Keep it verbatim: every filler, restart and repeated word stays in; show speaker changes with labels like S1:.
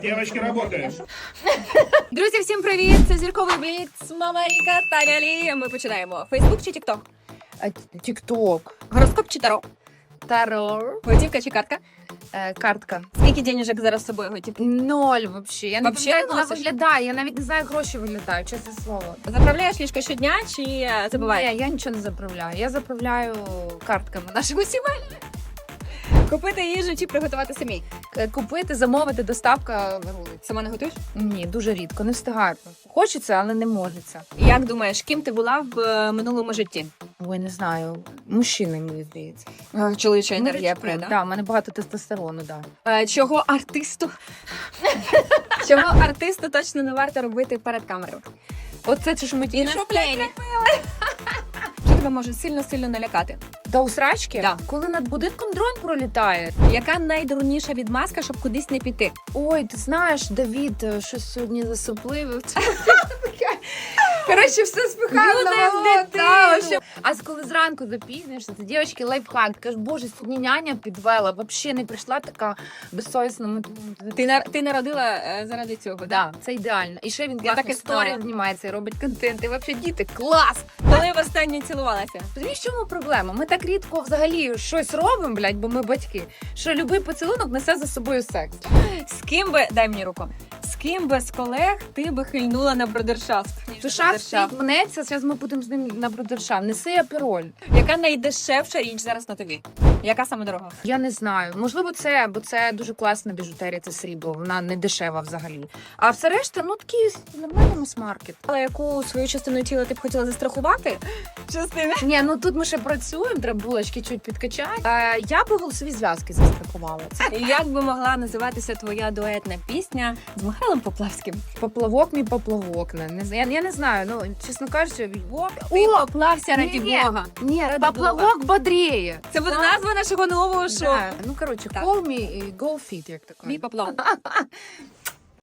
S1: Девочки, работаем.
S2: Друзі, всім привіт! Це зірковий бліц, мама Ріка, Таня Лі. Ми починаємо. Фейсбук чи Тікток?
S3: Тік-ток.
S2: Гороскоп чи таро?
S3: Таро.
S2: Готівка чи картка?
S3: Е, картка.
S2: Скільки денежок зараз з собою готівки?
S3: Ноль вообще. Я не
S2: Вообще
S3: пам'ятаю,
S2: не
S3: як вона
S2: носиш?
S3: виглядає. Я навіть не знаю, як гроші виглядають, чесне слово.
S2: Заправляєш ліжко щодня чи е, забуваєш?
S3: Ні, я нічого не заправляю. Я заправляю картками нашими сімейними.
S2: Купити їжу чи приготувати самі?
S3: Е, Купити, замовити, доставка на вулиці.
S2: Сама не готуєш?
S3: Ні, дуже рідко, не встигаю. Хочеться, але не можеться.
S2: Як думаєш, ким ти була в е, минулому житті?
S3: Ой, не знаю. Мужчини, мені здається.
S2: Чоловіча енергія
S3: Так,
S2: прийде.
S3: да, в мене багато тестостерону, да.
S2: Е, Чого артисту? Чого артисту точно не варто робити перед камерою?
S3: Оце чи ж ми
S2: І що, блядь, Що тебе може сильно-сильно налякати?
S3: До усрачки?
S2: Да.
S3: Коли над будинком дрон пролітає.
S2: Яка найдурніша відмазка, щоб кудись не піти?
S3: Ой, ти знаєш, Давід е, щось сьогодні засопливив. Коротше, все спихав
S2: Люди
S3: на
S2: в
S3: мого
S2: дитину.
S3: та, що- А з коли зранку запізнишся, це дівчатки лайфхак. Кажеш, боже, сьогодні няня підвела, взагалі не прийшла така безсовісна. Ми думаємо,
S2: Ти, на- ти народила е, заради цього, да?
S3: Да, це ідеально. І ще він
S2: Я
S3: класно
S2: так і
S3: сторі
S2: знала.
S3: знімається і робить контент. І взагалі діти, клас!
S2: Коли востаннє цілувалася?
S3: Розумієш, в чому проблема? Ми так рідко взагалі щось робимо, блядь, бо ми батьки, що любий поцілунок несе за собою секс.
S2: З ким би, дай мені руку, з ким би з колег ти би хильнула на брудершафт?
S3: Душа стоїть, мнеться, зараз ми будемо з ним на брудершафт. Неси апероль.
S2: Яка найдешевша річ зараз на тобі? Яка саме дорога?
S3: Я не знаю. Можливо, це, бо це дуже класна біжутерія, це срібло. Вона не дешева взагалі. А все решта, ну такі нормальний мас-маркет.
S2: Але яку свою частину тіла ти б хотіла застрахувати? Частина?
S3: Ні, ну тут ми ще працюємо, треба булочки чуть підкачати. Е, я би голосові зв'язки застрахувала. Це
S2: Як би могла називатися твоя дуетна пісня з Михайлом Поплавським?
S3: поплавок, мій поплавок. Не, не, знаю. я, я не знаю, ну, чесно кажучи, відбок.
S2: Ти поплався раді
S3: ні,
S2: Бога.
S3: Ні,
S2: Ради
S3: поплавок бодріє.
S2: Це буде назва нашого нового шоу.
S3: Да. Ну, коротше,
S2: Так.
S3: call me, go fit, як таке.
S2: Мій поплав.